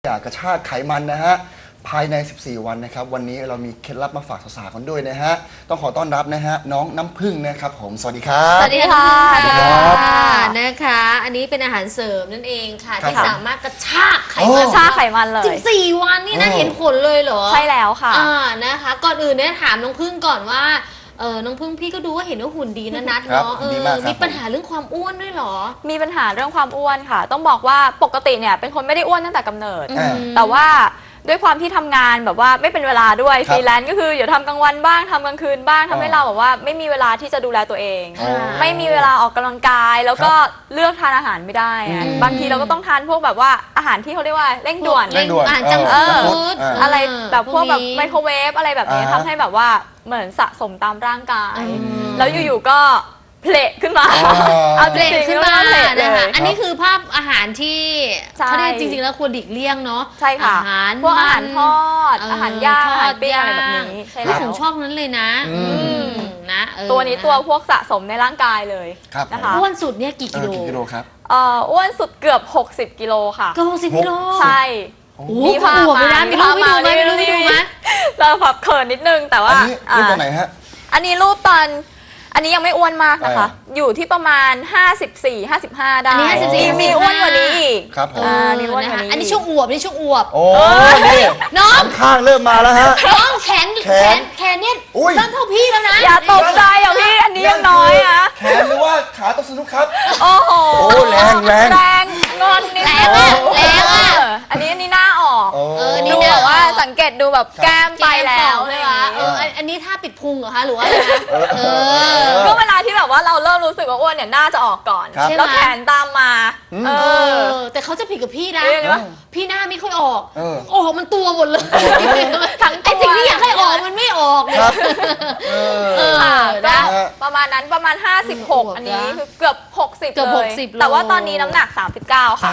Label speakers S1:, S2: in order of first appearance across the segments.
S1: อยากกระชากไขมันนะฮะภายใน 14 วันนะครับวันนี้เรามีเคล็ดลับมาฝากสาวๆกันด้วยนะฮะต้องขอต้อนรับนะฮะน้องน้ำผึ้งนะครับผมสวัสดีครับ
S2: สวัสดีค่ะ
S1: สวัสดีครับ
S2: นะคะอันนี้เป็นอาหารเสริมนั่นเองค่ะ
S1: ครับ
S2: ที่สามารถกระชากไข
S1: โอ้
S2: มัน
S3: กระชากไขมันเลย
S2: 14 วันนี่นะ
S1: โอ้
S2: เห็นผลเลยเหรอ
S3: ใช่แล้วค่ะ
S2: นะคะ ก่อนอื่นเนี่ยถามน้องพึ่งก่อนว่าน้องพึ่งพี่ก็ดูว่าเห็นว่าหุ่นดีนะนัดเนาะ
S1: ดีมากครับ
S2: มีปัญหาเรื่องความอ้วนด้วยเหรอ
S3: มีปัญหาเรื่องความอ้วนค่ะ ต้องบอกว่าปกติเนี่ยเป็นคนไม่ได้อ้วนตั้งแต่กำเนิด
S1: อ่า
S3: แต่ว่าด้วยความที่ทำงานแบบว่าไม่เป็นเวลาด้วย
S1: ครับ
S3: ฟรีแลนซ์ก็คืออย่าทำกลางวันบ้างทำกลางคืนบ้างทำให้เราแบบว่าไม่มีเวลาที่จะดูแลตัวเอง
S1: อ๋อ
S3: ไม่มีเวลาออกกำลังกาย แล้วก็เลือกทานอาหารไม่ได้อะ
S1: อืม
S3: บางทีเราก็ต้องทานพวกแบบว่าอาหารที่เขาเรียกว่าเร่งด่วน
S1: เร่งด่วน
S2: อาหารจัง
S1: เออ
S2: ฟู้ด
S3: อะไรแบบพวกแบบ
S2: นี้
S3: ไมโครเวฟอะไรแบบนี้
S1: อ่าฮะ
S3: ทำให้แบบว่าเหมือนสะสมตามร่างกาย
S2: อืม
S3: แล้วอยู่ๆก็เพลขึ้นมา
S1: อ๋อ
S3: เอา
S2: เบรกขึ้นมา
S3: เพล
S2: นะ
S3: เล
S2: คะ
S3: ย
S2: อันนี้คือภาพอาหารที่
S3: ใช่
S2: เขาเรียกจริงๆแล้วควรหลีกเลี่ยงเนาะ
S3: ใช่ค่ะ
S2: อาหาร
S3: พวกอาหารทอด
S2: เ
S3: อาหารย่างอาหารปิ้ง
S2: ท
S3: อะไร
S2: ด
S3: แบบ
S2: ย่าง
S3: นี้ใช่
S2: นี่
S3: แล้
S2: ผม
S3: ว
S2: ชอบนั้นเลยนะ
S1: อืม
S2: นะ
S3: ตัวนี้ตัว
S2: ะ
S3: พวกสะสมในร่างกายเลย
S1: ครับ
S3: นะคะ
S2: อ้วนสุดเนี่ยกี่กิโล
S1: กี่กิโลครับ
S3: อ้วนสุดเกือบ 60 กิโลค่ะ
S2: ก็60กิโล
S3: ใช่
S2: โอ้โหอวบเลยนะมีรูปให้ดูไหมมีรูปให้ดูไหม
S3: เราแบบเขินนิดนึงแต่ว่า
S1: อันนี้รูปตอนไหนฮะ
S3: อันนี้รูปตอนอันนี้ยังไม่อ้วนมากนะคะ อยู่ที่ประมาณ 54-55 ได้
S2: อันนี้54
S3: มีอ้วนกว่านี้อีก
S1: ครับผม
S3: มีอ้วน
S2: นะ
S3: กว่า
S2: คะ
S3: นี้
S2: อันนี้ช่วงอวบนี่ช่วงอวบ
S1: โอ้นี่
S2: น้อง
S1: ข้างเริ่มมาแล้วฮะ
S2: น้องแขน
S1: แขน
S2: แขนเนี่ย
S1: อุ้ย
S2: เริ่มเท่าพี่แล้วนะ
S3: อย่าตกใจอ่ะพี่อันนี้ยังน้อยอ่ะ
S1: แขนหรือว่าขาตกสนุกครับ
S3: โอ้โห
S1: โอ้แรงแรง
S3: แรงงอนนิดนึ
S2: แรงอะแรงอะ
S3: อันนี้หน้าออก
S1: โอ้
S3: ดูแบบว่าสังเกตดูแบบแก้มไปแล้ว
S2: เล
S3: เลย ย
S2: วะ
S3: วะ
S2: อันนี้ท่าปิดพุงเหรอคะหรือว่าอะไรนะอ
S3: ก็เวลาที่แบบว่าเราเริ่มรู้สึกว่าอ้วนเนี่ยหน้าจะออกก่อน
S1: ครับ
S3: แล้วแขนตามมา
S1: อืม
S3: เอ
S2: เอ
S3: อ
S2: อแต่เขาจะผิดกับพี่นะ
S3: เรียกได้ว่า
S2: พี่หน้าไม่ค่อยออก
S1: เออ
S2: ออกมันตัวหมดเลย
S3: ทั้งตัว
S2: ไอ้สิ่งที่อยากให้ออกมันไม่ออกเลย
S1: ครับเออ
S3: ค่ะ
S2: นะ
S3: ก็ประมาณนั้นประมาณ 56 อันนี้คือเกือบ 60
S2: เกือบ
S3: เลย
S2: 60
S3: แต่ว่าตอนนี้น้ำหนัก 39 ค่ะ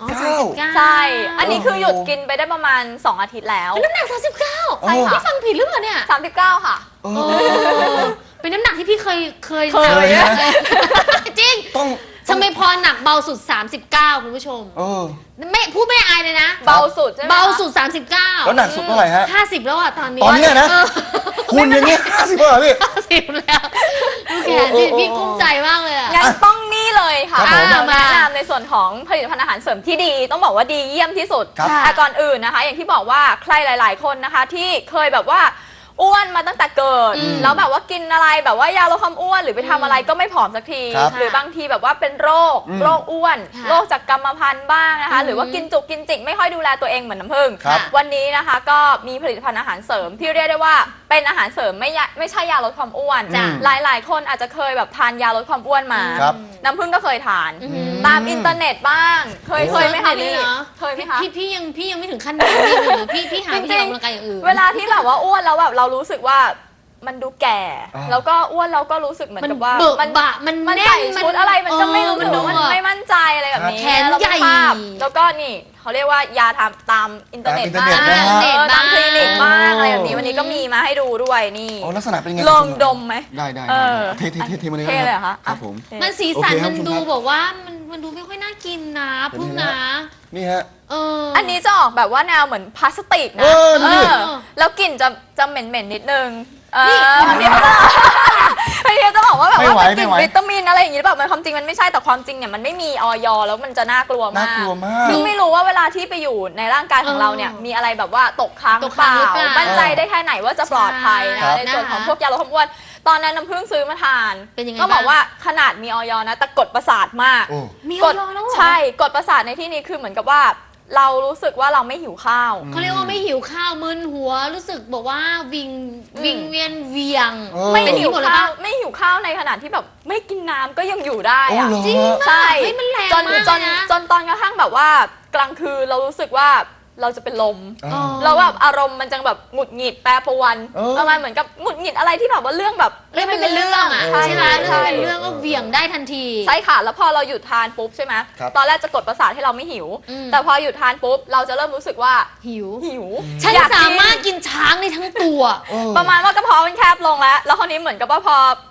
S1: 39
S3: ใช่ อันนี้คือหยุดกินไปได้ประมาณ 2 อาทิตย์แล้ว
S2: น้ำหนัก39
S1: ใช่ค่ะ
S2: พี่ฟังผิดหรือเปล่าเนี่ย
S3: 39 ค่ะ
S1: เอ
S2: เอ
S1: อ
S2: อเป็นน้ำหนักที่พี่เคย
S3: เคย
S2: จริง
S1: ต้อง
S2: ทำไมพอหนักเบาสุด 39 คุณผู้ชม
S1: เออ
S2: ไม่พูดไม่อายเลยนะ
S3: เบาสุดใช่ไหมคะ
S2: เบาสุด 39
S1: แล้วหนักสุดเท่าไหร่ฮะ
S2: 50 แล้วอ่ะตอนนี้
S1: ตอนเนี้ยนะ คุณอย่างเงี้ย50เหรอพี่
S2: 50แล้วดูแขนสิพี่กุ้มใจมากเลยอ่ะ
S3: งั้นต้องนี่เลยค่ะ
S1: ครับผม
S3: เรา
S2: มา
S3: แนะนำในส่วนของผลิตภัณฑ์อาหารเสริมที่ดี ต้องบอกว่าดีเยี่ยมที่สุด
S1: ครับ
S3: แต่ก่อนอื่นนะคะ อย่างที่บอกว่าใครหลาย ๆ คนนะคะที่เคยแบบว่าอ้วนมาตั้งแต่เกิด แล้วแบบว่ากินอะไรแบบว่ายาลดความอ้วนหรือไปทำอะไรก็ไม่ผอมสักที
S1: ครับ
S3: หรือบางทีแบบว่าเป็นโรคอ้วน
S2: ค่ะ
S3: โรคจากกรรมพันธุ์บ้างนะคะ หรือว่ากินจุกกินจิกไม่ค่อยดูแลตัวเองเหมือนน้ำผึ้ง
S1: ครับ
S3: วันนี้นะคะก็มีผลิตภัณฑ์อาหารเสริมที่เรียกได้ว่าเป็นอาหารเสริมไม่ใช่ยาลดความอ้วน
S1: จ้ะ
S3: หลาย ๆ คนอาจจะเคยแบบทานยาลดความอ้วนมา
S1: ครับ
S3: น้ำผึ้งก็เคยทาน
S2: อืม
S3: ตามอินเทอร์เน็ตบ้าง เคยไหมคะพี่
S2: เนอะ
S3: เคยไหมคะ
S2: พี่ยังไม่ถึงขั้นนั้นพี่หาวิธีออกกำลังกายอย่างอื่น
S3: เวลาที่แบบว่าอ้วนแล้วแบบเรารู้สึกว่ามันดูแก่
S1: อ่า
S3: แล้วก็อ้วนเราก็รู้สึกเหมือนกับว่า
S2: เบิก
S3: มัน
S2: บะมัน
S3: มัน
S2: แน่น
S3: ใส่ชุดอะไรมันก็ไม่รู้
S2: มั
S3: สึ
S2: น
S3: ก
S2: ดู
S3: ว่ามันไม่มั่นใจอะไรแบบนี้
S2: แขน
S3: ล้ว
S2: ใหญ่
S3: ภาพแล้วก็นี่เขาเรียกว่ายาตามอินเทอร์เน็ต
S1: ตามอินเทอร์เน็ตนะฮะ
S3: ตามคลินิกบ้างอะไรแบบนี้
S2: อืม
S3: วันนี้ก็มีมาให้ดูด้วยนี่
S1: โอ้ลักษณะเป็นไง
S3: ลองดมไหม
S1: ได้ได้
S3: เออ
S1: เทมาเลย
S3: เท่เลยเหรอคะ
S1: ครับผม
S2: มันสีสัน
S1: โอเคครับ
S2: มันดู
S1: คุณครับ
S2: บอกว่ามันดูไม่ค่อยน่ากินนะ
S1: เป็น
S2: พึ่ง
S1: ไง
S2: นะ
S1: ฮะ นี่ฮะ
S3: อันนี้จะออกแบบว่าแนวเหมือนพลาสติกนะ
S1: เออดูดิ
S3: แล้วกลิ่นจะเหม็นนิดนึง
S2: นี่
S3: พี่จะบอกว่าแบบ
S1: ไม่
S3: ว่า
S1: ไหว
S3: เป็นกลิ่น
S1: ไม่ไหว
S3: วิตามินอะไรอย่างงี้แบบมันความจริงมันไม่ใช่แต่ความจริงเนี่ยมันไม่มีออยแล้วมันจะน่ากลัวมาก
S1: น่ากลัวมาก
S3: ซึ่งไม่รู้ว่าเวลาที่ไปอยู่ในร่างกายของเราเนี่ยมีอะไรแบบว่าตกค้างหรือเปล่า
S2: ตกค้างหรือเปล่า
S3: มั่นใจได้แค่ไหนว่าจะปลอดภัย
S1: ครั
S3: นะ
S1: บ
S3: ในส่วนของพวกยาลดความอ้วนตอนนั้นน้ำผึ้งซื้อมาทาน
S2: เป็นยังไง
S3: ก็บอก
S2: บ้าง
S3: ว่าขนาดมีออยนะแต่กดประสาทมาก
S1: โอ้
S2: มี
S3: ก
S2: ออ
S3: ด
S2: ยแล้วเหรอ
S3: ใช่กดประสาทในที่นี้คือเหมือนกับว่า เรารู้สึกว่าเราไม่หิวข้าว
S2: เขาเรียกว่าไม่หิวข้าวมึนหัวรู้สึกบอกว่าวิงเวียนเวียง
S1: เออ
S3: ไม่
S2: เป็น
S3: หิว
S2: หมดเลย
S3: ข้าว
S2: ปะ
S3: ไม่หิวข้าวในขณะที่แบบไม่กินน้ำก็ยังอยู่ได้
S1: โอ้
S3: อะ
S1: เหรอ
S2: จริง
S3: ใช่
S2: เฮ้ยมันแรง
S3: จน
S2: มาก
S3: จน
S2: เลยนะ
S3: จนตอนกระทั่งแบบว่ากลางคืนเรารู้สึกว่าเราจะเป็นลม
S1: เออ
S2: อ๋อ
S3: เราแบบอารมณ์มันจะแบบหงุดหงิดแปรปรวน
S1: เออ
S3: ประมาณเหมือนกับหงุดหงิดอะไรที่แบบว่าเรื่องแบบ
S2: เรื่องมันเป็นเรื่องอ่ะ
S3: ใช่
S2: ใช่ไหม
S3: ใช่
S2: เรื่องเป็นเรื่องก็เหวี่ยงได้ทันที
S3: ใช่ค่ะแล้วพอเราหยุดทานปุ๊บใช่ไหม
S1: ครับ
S3: ตอนแรกจะกดประสาทให้เราไม่หิว
S2: อืม
S3: แต่พอหยุดทานปุ๊บเราจะเริ่มรู้สึกว่า
S2: หิว
S3: หิว
S2: ฉัน
S3: อยกกิน
S2: สามารถกินช้างได้ทั้งตัว
S1: เออ
S3: ประมาณว่ากระเพาะมันแคบลงแล้วคราวนี้เหมือนกับว่าพอ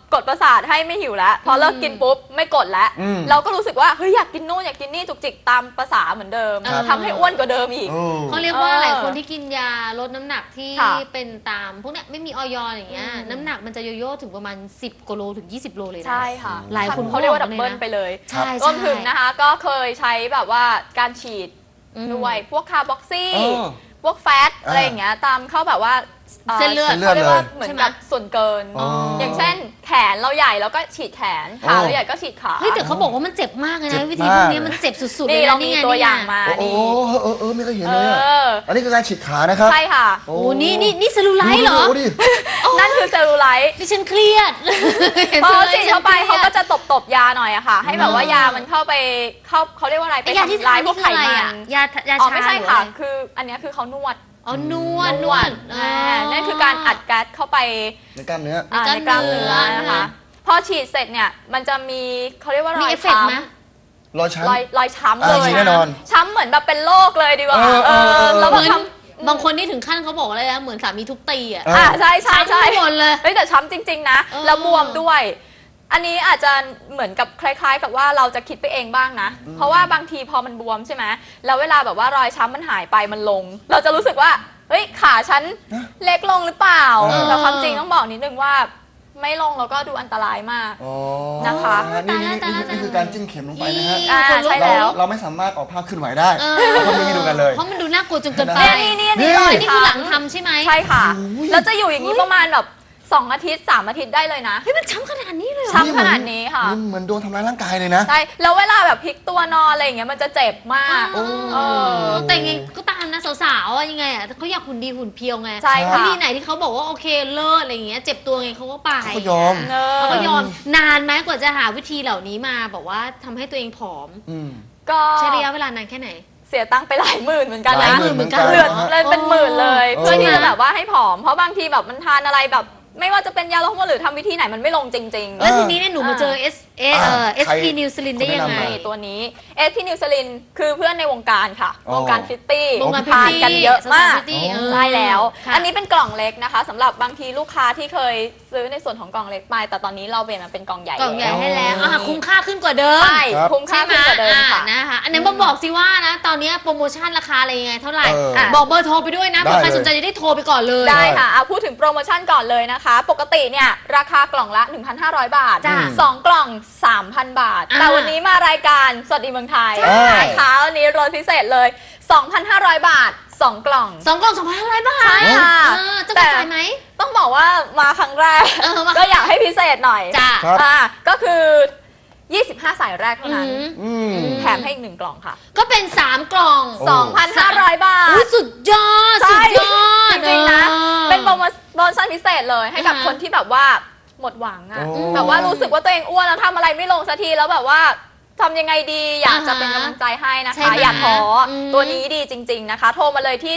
S3: กดประสาทให้ไม่หิวแล้วพอเลิกกินปุ๊บไม่กดแล้ว เราก็รู้สึกว่าเฮ้ยอยากกินนู่นอยากกินนี่จุกจิกตามภาษาเหมือนเดิม
S1: ครับ
S3: ทำให้อ้วนกว่าเดิมอีก
S2: เขาเรียกว่าหลายคนที่กินยาลดน้ำหนักที่
S3: ค่ะ
S2: เป็นตามพวกเนี้ยไม่มีออยอย่างเงี้ยน้ำหนักมันจะโยโย่ถึงประมาณ10กว่าโลถึง20โลเลยนะ
S3: ใช่ค่ะ
S2: หลายคน
S3: เขาเรียกว่า
S2: บ
S3: ดั
S2: อก
S3: บ
S2: เลยนะ
S3: เบิลไปเลย
S2: ใช่
S3: รวมถึงนะคะก็เคยใช้แบบว่าการฉีด
S2: อืม
S3: ด้วยพวกคาร์บอกซี่
S1: เออ
S3: พวกแฟตอะไรอย่างเงี้ยตามเข้าแบบว่า
S2: เส้นเลือด
S3: ขารียกว่า
S1: เลย
S3: เหมือนกับส่วนเกิน
S1: อ๋ออ
S3: อย่างเช่นแขนเราใหญ่แล้วก็ฉีดแขนขาเราใหญ่ก็ฉีดขา
S2: เฮ้ยแต่เขาบอกว่ามันเจ็บมากเลย
S1: เจ็
S2: นะ
S1: บ
S2: วิธีพวกนี้
S1: มาก
S2: มันเจ็บสุดๆเล
S3: นี่
S2: ย
S3: เรา
S2: นะ
S3: มี
S2: นี่ไง
S3: ตัวอย่าง
S2: นี่ไง
S3: มา
S1: โอ้โห
S3: นี่
S1: ไม่เคยเห็น
S3: เอ
S1: เลยอะ
S3: อ
S1: อันนี้คือการฉีดขานะครับ
S3: ใช่ค่ะ
S2: โอ้นี่เซลลูไลท์เหรอ
S1: ดูดิ
S3: นั่นคือเซลลูไลท์
S2: ดิฉันเครียด
S3: พอฉีดเข้าไปเขาก็จะตบยาหน่อยอะค่ะ ให้แบบว่ายามันเข้าไปเขาเรียกว่าอะไร
S2: ไอ้ยาที่
S3: ทำลา
S2: ทาย น
S3: พว
S2: นี่
S3: ก
S2: คือ
S3: ไข
S2: อะไร
S3: มั
S2: อ่ะ
S3: น
S2: ยา
S3: อ๋อ
S2: ชา
S3: ไม่ใช่
S2: หรือ
S3: ค่ะ
S2: อะไร
S3: คืออันเนี้ยคือเขานวด
S2: อ๋อนวด
S3: นั่นคือการอัดแก๊สเข้าไป
S1: ในกล้ามเนื้อ
S3: ในกล้ามเนื้อนะคะ พอฉีดเสร็จเนี่ยมันจะมีเขาเรียกว่าร
S2: มี
S3: อย
S2: เอฟเฟกต์ไหม
S3: ช้ำ
S1: รอยช้ำ
S3: รอยช้ำเล
S1: มี
S3: ย
S1: แน่นอน
S3: ช้ำเหมือนแบบเป็นโรคเลยดีกว่า
S1: เออ
S3: แล้ว
S2: เห
S3: แบ
S2: มื
S3: บ
S2: อน บางคนนี่ถึงขั้นเขาบอกอะไรนะเหมือนสามีทุบตีอ่ะ
S3: ใช่ใช่ใช่
S2: ช้ำหมดเลย
S3: เฮ้ยแต่ช้ำจริง ๆ นะ
S2: เออ
S3: แล้วบวมด้วย อันนี้อาจจะเหมือนกับคล้าย ๆ กับว่าเราจะคิดไปเองบ้างนะ เพราะว่าบางทีพอมันบวมใช่ไหมแล้วเวลาแบบว่ารอยช้ำมันหายไปมันลง เราจะรู้สึกว่าเฮ้ยขาฉันเล็กลงหรือเปล่า
S1: เออ
S3: แต่ความจริงต้องบอกนิดนึงว่า ไม่ลงแล้วก็ดูอันตรายมาก
S1: อ๋อ
S3: นะคะ
S1: นี่คือการจิ้มเข็มลงไปนะฮะ
S3: อ่าใช่แล้ว
S1: เราไม่สามารถออกภาพขึ้นไหวได้
S2: เออ
S1: เราทำให้ดูกันเลย
S2: เพราะมันดูน่ากลัวจนเกินไป
S3: นี่
S1: นี่
S3: รอย
S2: นี่คือหลังทำใช่ไหม
S3: ใช่ค่ะ
S1: โอ้ย
S3: แล้วจะอยู่อย่างนี้ประมาณแบบ2 อาทิตย์ 3 อาทิตย์ได้เลยนะ
S2: เฮ้ยมันช้ำขนาดนี้เลยเหรอ
S3: ช้ำขนาดนี้ค่ะ
S1: เหมือนโดนทำร้ายร่างกายเลยนะ
S3: ใช่ แล้วเวลาแบบพลิกตัวนอนอะไรอย่างเงี้ยมันจะเจ็บมาก
S2: โอ้
S3: เออ
S2: แต่ยังไงก็ตามนะสาวๆอะยังไงอ่ะเขาอยากหุ่นดีหุ่นเพียวไง
S3: ใช่ค่ะ
S2: วิธีไหนที่เขาบอกว่าโอเคเลิศอะไรอย่างเงี้ยเจ็บตัวไงเขาก็ไป
S1: เขาก็ยอม
S2: เขาก็ยอมนานไหมกว่าจะหาวิธีเหล่านี้มาบอกว่าทำให้ตัวเองผอม
S1: อืม
S3: ก็
S2: ใช้ระยะเวลานานแค่ไหน
S3: เสียตังค์ไปหลายหมื่นเหมือนกัน
S1: หลาย
S3: นะ
S1: หมื่นเหมือนกัน
S3: เลือดเลยเป็นหมื่นเลย
S1: เออ
S3: เพื่อที่จะแบบว่าให้ผอม เพราะบางทีแบบมันทานอะไรแบบ ไม่ว่าจะเป็นยาลดความอ้วนหรือทำวิธีไหนมันไม่ลงจริงๆ
S2: แล้วทีนี้เนี่ยหนูมาเจอ
S1: ใคร
S2: SP นิวซิลินได้ยังไง
S3: นี่ตัวนี้เอสพีนิวซลินคือเพื่อนในวงการค่ะ
S1: อ๋อ
S3: วงการฟิตตี้
S2: วงการ
S3: ทานกันเยอะมาก
S2: สาวๆ Fitty
S3: ใช่แล้ว
S2: ค่ะ
S3: อันนี้เป็นกล่องเล็กนะคะสำหรับบางทีลูกค้าที่เคยซื้อในส่วนของกล่องเล็กไปแต่ตอนนี้เราเปลี่ยนมาเป็นกล่องใหญ่
S2: กล่องใหญ่
S3: แล้ว
S2: ให้แล้วอ่ะคุ้มค่าขึ้นกว่าเดิม
S3: ใช่
S1: ครับ
S3: คุ้มค่าขึ้นกว่าเดิมค่ะ
S2: นะคะอันนี้บอกสิว่านะ ตอนนี้โปรโมชั่นราคาอะไรยังไงเท่าไหร่
S1: เอออ่
S2: ะบอกเบอร์โทรไปด้วยนะเผื่อใคร
S1: ได้เลย
S2: สนใจจะได้โทรไปก่อนเลย
S3: ได้ค่ะเอาพูดถึงโปรโมชั่นก่อนเลยนะคะ ปกติเนี่ยราคากล่องละ 1,500 บาท
S2: จ้ะ
S3: 2 กล่อง 3,000 บาท
S2: อ่า
S3: แต่วันนี้มารายการสวัสดีเมืองไทย
S1: ใช่
S3: นะคะวันนี้ลดพิเศษเลย 2,500 บาท 2 กล่อง
S2: 2 กล่อง2,500 บาท
S3: ใช่ค่ะ
S2: จะกระจายไหม
S3: ต้องบอกว่ามาครั้งแรก
S2: มา
S3: ก็อยากให้พิเศษหน่อย
S2: จ้ะ
S1: ครับ
S3: ก็คือ 25 สายแรกเท่านั้น
S1: อืม
S3: แถมให้อีก 1 กล่องค่ะ
S2: ก็เป็น 3 กล่อง
S1: โอ้
S3: 2,500 บาท
S2: อุ๊ยสุดยอด
S3: ใช่
S2: สุดยอด
S3: จริงๆนะ
S2: ออ
S3: เป็นโปรโมชั่นพิเศษเลยให้กับ
S2: อ่าฮะ
S3: คนที่แบบว่าหมดหวังอะ
S1: โอ้
S3: แบบว่ารู้สึกว่าตัวเองอ้วนแล้วทำอะไรไม่ลงสักทีแล้วแบบว่าทำยังไงดีอยากจะเป็นกำลังใจให้นะ
S2: ใช่
S3: คะ
S2: ไหม
S3: อย่าท้ออ
S2: ม
S3: ตัวนี้ดีจริง ๆนะคะ โทรมาเลยที่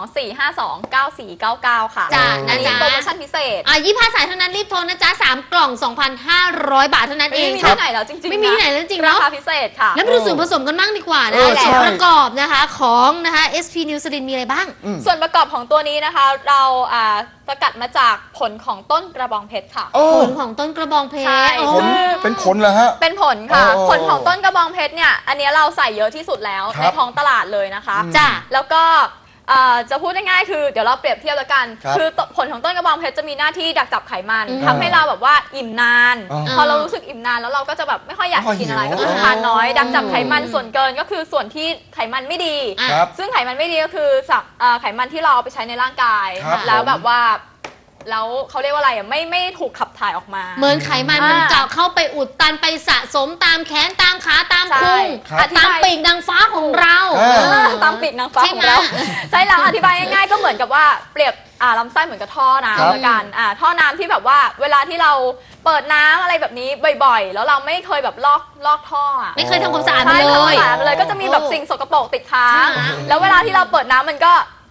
S3: 024529499 ค่ะ
S2: จ้ะ
S3: อันนี้
S2: นะจ๊ะ
S3: โปรโมชั่นพิเศษ
S2: 25 สายเท่านั้นรีบโทรนะจ๊ะ 3 กล่อง 2,500 บาทเท่านั้นเอ
S3: ไม่
S2: ง
S3: มี
S2: ครั
S3: ที่
S2: บ
S3: ไหนแล้วจริงๆ
S2: ไม่มีที่ไหนแล้วจริงๆ
S3: รา
S2: เนาะ
S3: คาพิเศษค่ะ
S2: แล้วมาดูส่วนผสมกันบ้างดีกว่านะ
S1: เออ
S2: ส่วน
S1: ใช่
S2: ประกอบนะคะของนะคะ SP นิวซิลินมีอะไรบ้าง
S3: ส่วนประกอบของตัวนี้นะคะ เราสกัดมาจากผลของต้นกระบองเพชรค่ะ
S1: โอ้
S2: ผลของต้นกระบองเพชร
S3: ใช่
S2: โอ้
S1: ผลเป็นผลเหรอฮะ
S3: เป็นผลค่ะ
S1: โอ้
S3: ผลของต้นกระบองเพชรเนี่ย อันนี้เราใส่เยอะที่สุดแล้ว
S1: ครับ
S3: ในท้องตลาดเลยนะคะ
S2: จ้ะ
S3: แล้วก็จะพูดง่ายๆคือเดี๋ยวเราเปรียบเทียบแล้วกัน
S1: ครับ
S3: คือผลของต้นกระบองเพชรจะมีหน้าที่ดักจับไขมัน
S2: อืม
S3: ทำให้เราแบบว่าอิ่มนาน
S1: อ๋อ
S3: พอเรารู้สึกอิ่มนานแล้วเราก็จะแบบไม่ค่อยอยาก
S1: ไม่ค่อย
S3: กินอะไร
S1: หิว
S3: ก็คือทานน้อย ดักจับไขมันส่วนเกินก็คือส่วนที่ไขมันไม่ดี
S2: อ่ะ
S1: ครับ
S3: ซึ่งไขมันไม่ดีก็คือไขมันที่เราเอาไปใช้ในร่างกาย
S1: ครับ
S3: แล้ว
S1: ผม
S3: แบบว่าแล้วเขาเรียกว่าอะไรอ่ะไม่ถูกขับถ่ายออกมา
S2: เหมือนไขมันมันจะเข้าไปอุดตันไปสะสมตามแขนตามขาตามพุง
S1: ครับ
S2: ตามปีกนางฟ้าของเรา
S1: เออ
S3: ตามปีกนางฟ้าของเรา
S2: ใช่ไหม
S3: ใช่แล้วอธิบายง่ายๆก็เหมือนกับว่าเปรียบลำไส้เหมือนกับท่อ
S1: ครับ
S3: น้ำละกันท่อน้ำที่แบบว่าเวลาที่เราเปิดน้ำอะไรแบบนี้บ่อยๆ แล้วเราไม่เคยแบบลอกท่ออ่ะ
S2: ไม่เคยทำความสะอาด
S3: ใช่
S2: มัน
S3: ทำ
S2: เล
S3: ความ
S2: ย
S3: สะอาดมันเลยก็จะมีแบบสิ่งสกปรกติดค้าง
S2: ใช่ไหม
S3: แล้วเวลาที่เราเปิดน้ำมันก็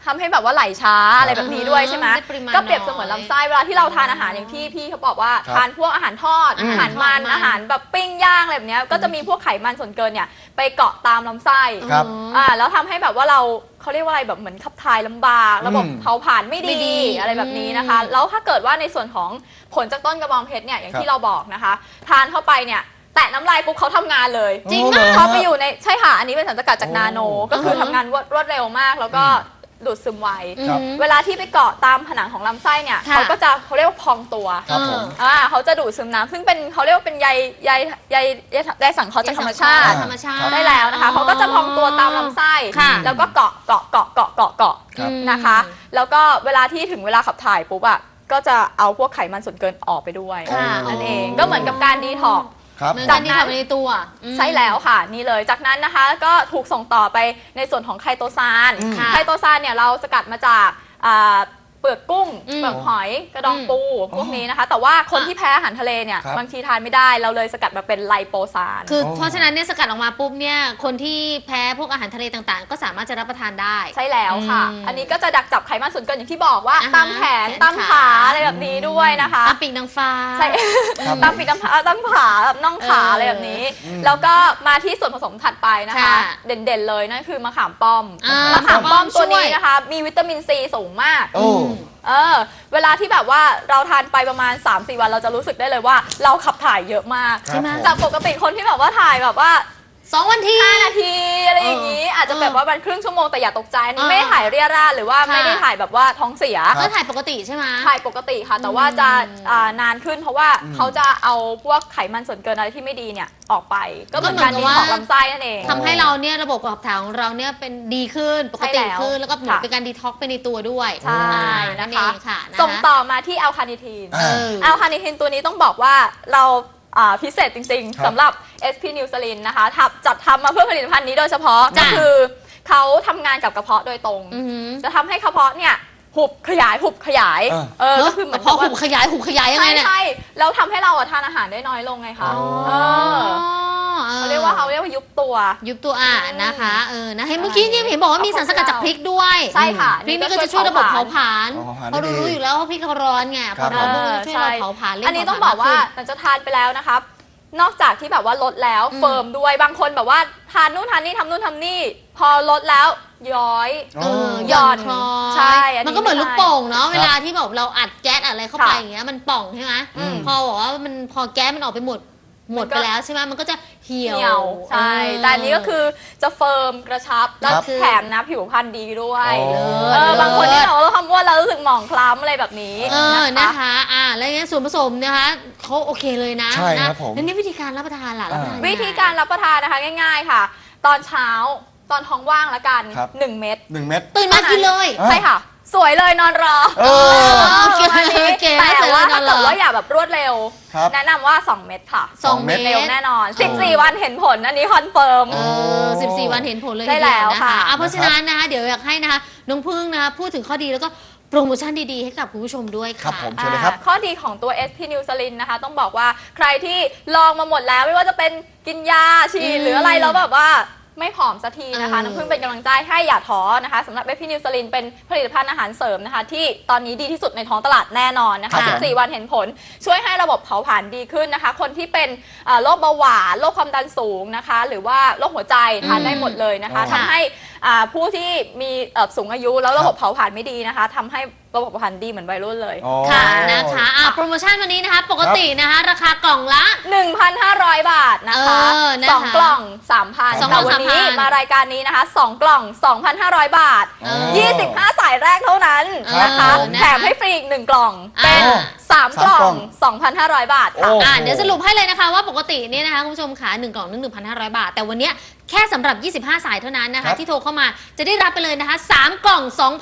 S3: ทำให้แบบว่าไหลช้าอะไรแบบนี้ด้วยใช่ไหม
S2: ได้ปริมาณ
S3: ก็เปรียบเสมือนลำไส้เวลาที่เราทานอาหารอย่างที่พี่เขาบอกว่า
S1: ครับ
S3: ทานพวกอาหารทอดอาหารมัน
S2: ทอดมัน
S3: อาหารแบบปิ้งย่างอะไรแบบเนี้ยก็จะมีพวกไขมันส่วนเกินเนี่ยไปเกาะตามลำไส้
S1: ครับ
S3: แล้วทำให้แบบว่าเขาเรียกว่าอะไรแบบเหมือนขับถ่ายลำบากระบบเผาผลาญไม่
S2: ไม่ดี
S3: ดีอะไรแบบนี้นะคะ แล้วถ้าเกิดว่าในส่วนของผลจากต้นกระบองเพชรเนี่ยอย่างที่เราบอกนะคะ ทานเข้าไปเนี่ยแตะน้ำลายปุ๊บเขาทำงานเลย
S1: จริงเหรอ
S3: เขาไปอยู่ในใช่ค่ะอันนี้เป็นสารสกัดจากนาโน
S1: โอ้
S3: ก็คือทำงานรวดเร็วมากแล้วก็ดูดซึมไว
S1: ครับ
S3: เวลาที่ไปเกาะตามผนังของลำไส้เนี่ย
S2: ค่ะ
S3: เขาเรียกว่าพองตัว
S1: ครับผม
S3: เขาจะดูดซึมน้ำซึ่งเป็นเขาเรียกว่าเป็นใยสังเคราะห์จากธรรมชาติ
S2: ธรรมชาติ
S3: ได้แล้วนะคะเขาก็จะพองตัวตามลำไส้
S2: ค่ะ
S3: แล้วก็เกาะ
S1: ครับ
S3: นะคะ แล้วก็เวลาที่ถึงเวลาขับถ่ายปุ๊บอะก็จะเอาพวกไขมันส่วนเกินออกไปด้วย
S2: ค่ะ
S3: นั่นเองก็เหมือนกับการดีท็อกซ์
S1: ครับ
S2: เหมือน
S1: ผ
S2: กัน
S1: ม
S2: ที่ทำในตัว
S3: ใช่แล้วค่ะนี่เลยจากนั้นนะคะก็ถูกส่งต่อไปในส่วนของไคโตซาน
S1: อืม
S3: ไคโตซานเนี่ยเราสกัดมาจากเปลือกกุ้ง
S2: อืม
S3: เปลือกหอยกระดองปูพวกนี้นะคะ แต่ว่าคนที่แพ้อาหารทะเลเนี่ย
S1: ครับ
S3: บางทีทานไม่ได้เราเลยสกัดมาเป็นไลโปซาน
S2: คือ
S1: โอ้
S2: เพราะฉะนั้นเนี่ยสกัดออกมาปุ๊บเนี่ยคนที่แพ้พวกอาหารทะเลต่างๆ ก็สามารถจะรับประทานได้
S3: ใช่แล้วค่ะ
S2: อืม
S3: อันนี้ก็จะดักจับไขมันส่วนเกินอย่างที่บอกว่า
S2: อ่าฮะ
S3: ตามแขน
S2: แขน
S3: ตามขา
S2: ขา
S3: อะไรแบบนี้ด้วยนะคะ
S2: ตามปีกนางฟ้า
S3: ใช่
S1: ครับ
S3: ตามปีกตามขาตามขาแบบน่องขา
S2: เอออ
S3: อะไรแบบนี้
S1: อืม
S3: แล้วก็มาที่ส่วนผสมถัดไปนะคะ
S2: ค่ะ
S3: เด่นๆเลยนั่นคือมะขามป้อม
S2: อ่าม
S3: มะขามป้อม
S2: ช่วย
S3: ตัวนี้นะคะ มีวิตามินซีสูงมาก
S1: โอ้
S3: เวลาที่แบบว่าเราทานไปประมาณ 3-4 วันเราจะรู้สึกได้เลยว่าเราขับถ่ายเยอะมาก
S1: ใช่ไหม
S3: จากปกติคนที่แบบว่าถ่ายแบบว่า
S2: 2 วันที
S3: 5 นาทีอะไรอย่างนี้ อาจจะแบบว่ามันครึ่งชั่วโมงแต่อย่าตกใจอันนี้ไม่ได้ถ่ายเรียราดหรือว่า
S2: ค่ะ
S3: ไม่ได้ถ่ายแบบว่าท้องเสีย
S1: ครับ
S2: ก็ถ่ายปกติใช่ไหม
S3: ถ่ายปกติค่ะ แต่ว่าจะนานขึ้นเพราะว่าเขาจะเอาพวกไขมันส่วนเกินอะไรที่ไม่ดีเนี่ยออกไป ก็เหมือนการดีท็อกซ์ลำไส้นั่นเอง
S2: ทำให้เราเนี่ยระบบขับถ่ายของเราเนี่ยเป็นดีขึ้นปกติ
S3: ใช่แล้ว
S2: ขึ้นแล้วก็เหมือน
S3: ค่ะ
S2: เป็นการดีท็อกซ์ไปในตัวด้วย
S3: ใช่
S2: นั่น
S3: นะ
S2: เอ
S3: คะ
S2: งค่ะนะคะ
S3: ส่งต่อมาที่อัลคาเนิทีน
S1: อ่า
S3: อัลคาเนิทินตัวนี้ต้องบอกว่าเราพิเศษจริง
S1: ครับ
S3: ๆสำหรับ SP นิวซ l ลินนะคะจัดทำมาเพื่อผลิตภัณฑ์นี้โดยเฉพาะก็
S2: จ้ะ
S3: คือเขาทำงานกับกระเพาะโดยตรง
S2: อือหือ
S3: จะทำให้กระเพาะเนี่ยหุบขยายก็คือเหมือน
S2: พอหุบขยายยังไงเนี่ย
S3: ใช่แล้วทำให้เราทานอาหารได้น้อยลงไงคะ
S1: อ๋อ
S3: เออเขาเรียกว่ายุบตัว
S2: ยุบตัวนะคะนะเห็นเมื่อกี้ยังเห็นบอกว่ามีสารสกัดจากพริกด้วย
S3: ใช่ค่ะ
S2: พริกนี่ก็จะช่วยระบบเผาผลาญ
S1: อ๋อเผาผลาญ
S2: เพราะ
S1: ได้ดี
S2: รู้อยู่แล้วว่าพริกเขาร้อนไงพอร้อนปุ๊บมันจะช่วยเราเผาผลาญเร่ง
S3: อันนี้
S2: เผาผลาญ
S3: ต้องบอกว่า
S2: ขึ้น
S3: หลังจากทานไปแล้วนะครับ นอกจากที่แบบว่าลดแล้วเฟิร์มด้วยบางคนแบบว่าทานนู่นทานนี่ทำนู่นทำนี่ พอลดแล้วย้อย
S2: หย่อนคลอ
S3: ใช่อันนี้
S2: มันก็เหมือน
S3: ไม่
S2: ลูก
S3: ได้
S2: โป่งเนาะ
S1: ครับ
S2: เวลาที่แบบเราอัดแก๊สอะไรเข้าไป
S3: ค่ะ
S2: อย่างเงี้ยมันป่องใช่ไหม
S3: อืม
S2: พอบอกว่ามันพอแก๊สมันออกไปหมดไปแล้วใช่ไหมมันก็จะเหี่
S3: เหนียวใช่แต่อันนี้ก็คือจะเฟิร์มกระชับแล้ว
S1: ครับ
S3: แถมนะผิวพรรณดีด้วย
S1: โอ้
S3: บางคนที่บอกว่าเราทำว่าเรารู้สึกหมองคล้ำอะไรแบบนี้
S2: นะคะแล้วเนี่ยส่วนผสมนะคะเขาโอเคเลยนะ
S1: ใช่ครับ
S2: นะ
S1: ผม
S2: แล้วนี่วิธีการรับประทานล่ะรับประทานยังไง
S3: วิธีการรับประทานนะคะง่ายๆค่ะ ตอนเช้าตอนท้องว่างละกัน
S1: ครับ
S3: 1 เม็ด
S1: 1 เม็ด
S2: ตื่นมากินเลย
S1: อ่ะ
S3: ใช่ค่ะ สวยเลยนอนรอ
S1: เออ
S2: โอเค
S3: อันนี้
S2: โอเค
S3: แต่ว่าถ้า
S2: เสร็จแล้วนอนรอ
S3: เกิดว่าอย่าแบบรวดเร็ว
S1: ครับ
S3: แนะนำว่า 2 เม็ดค่ะ
S2: สองเม็ด
S3: เร็วแน่นอน 14 วันเห็นผลอันนี้คอนเฟิร์ม
S2: 14 วันเห็นผลเลย
S3: ได้
S2: ทีเดีย
S3: แล้ว
S2: นะ
S3: ค่ะ
S2: คะเพราะฉะนั้นนะคะเดี๋ยวอยากให้นะคะน้องพึ่งนะคะพูดถึงข้อดีแล้วก็โปรโมชั่นดีๆให้กับคุณผู้ชมด้วย
S1: ครับ
S2: ค่ะ
S1: ผมเชิญเลยครับ
S3: ข้อดีของตัว SP n e w s l i n นะคะ ต้องบอกว่าใครที่ลองมาหมดแล้วไม่ว่าจะเป็นกินยาฉีดหรืออะไรแล้วแบบว่าไม่ผอมสักทีนะคะ น้ำพึ่งเป็นกำลังใจให้อย่าท้อนะคะสำหรับ SP n e w s l i n เป็นผลิตภัณฑ์อาหารเสริมนะคะ ที่ตอนนี้ดีที่สุดในท้องตลาดแน่นอนนะคะ
S1: ครับผม
S3: 14 วันเห็นผล ช่วยให้ระบบเผาผลาญดีขึ้นนะคะ คนที่เป็นโรคเบาหวานโรคความดันสูงนะคะ หรือว่าโรคหัวใจทานได้หมดเลยนะคะ
S1: อ๋อ
S3: ทำให้ผู้ที่มีสูงอายุแล้วระบบเผาผลาญไม่ดีนะคะทำให้ระบบเผาผลาญดีเหมือนวัยรุ่นเลย
S1: อ๋อ
S2: ค่ะนะคะโปรโมชั่นวันนี้นะคะปกตินะคะราคากล่องละ
S3: 1,500 บาทนะคะ
S2: นะคะ
S3: 2 กล่อง 3,000
S2: สองกล่
S3: แต่
S2: อง
S3: วันนี้
S2: 3,000
S3: มารายการนี้นะคะ 2 กล่อง 2,500 บาท
S1: อ๋อ
S3: 25 สายแรกเท่านั้นนะคะ
S1: ครับผม
S3: แถมให้ฟรีอีก 1 กล่อง เป็น 3 กล่อง 2,500 บาทค่ะ
S1: โอ้
S2: เดี๋ยวสรุปให้เลยนะคะว่าปกติเนี่ยนะคะคุณผู้ชมขา1 กล่องนึง 1,500 บาท แต่วันเนี้ยแค่สำหรับ 25 สายเท่านั้นนะ
S1: ครั
S2: คะ
S1: บ
S2: ที่โทรเข้ามาจะได้รับไปเลยนะคะ 3 กล่อง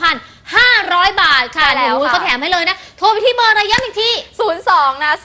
S2: 2,500 บาทค่ะ
S3: ใช่แล้ว
S2: โอ้โห
S3: ค่ะ
S2: เขาแถมให้เลยนะ โทรไปที่เบอร์อะไรย้ำอีกที
S3: 02 นะ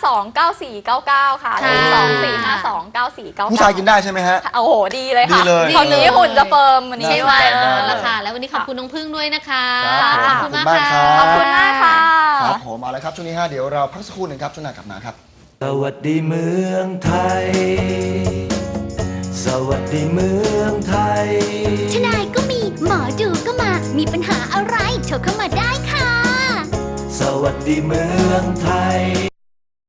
S3: 452-9499 ค่ะ
S2: ค่ะ
S3: 02-452-9499
S1: ผู้ชายกินได้ใช่ไหมฮะ
S3: โอ้โห ดีเลยค่ะ
S1: ดีเลย
S3: ตอนนี้หุ่นจะเฟิร์มวันนี้
S2: ใช่
S3: ด้ว
S2: ค่ะ
S3: ย
S2: แล้วค่ะแล้ววันนี้ขอบคุณน้องพึ่งด้วยนะคะ
S1: ครับ
S2: ขอบคุณมาก
S1: ขอบคุณมากครั
S2: ค่ะ
S1: บ
S3: ขอบคุณมากค่ะ
S1: ครับผมเอาละครับช่วงนี้เดี๋ยวเราพักสักครู่หนึ่งครับช่วงหน้ากลับมาครับ
S4: สวัสดีเมืองไทย สวัสดีเมืองไทย
S5: ทนายก็มีหมออดูก็มา มีปัญหาอะไรโทรเข้ามาได้ค่ะ
S4: สวัสดีเมืองไทย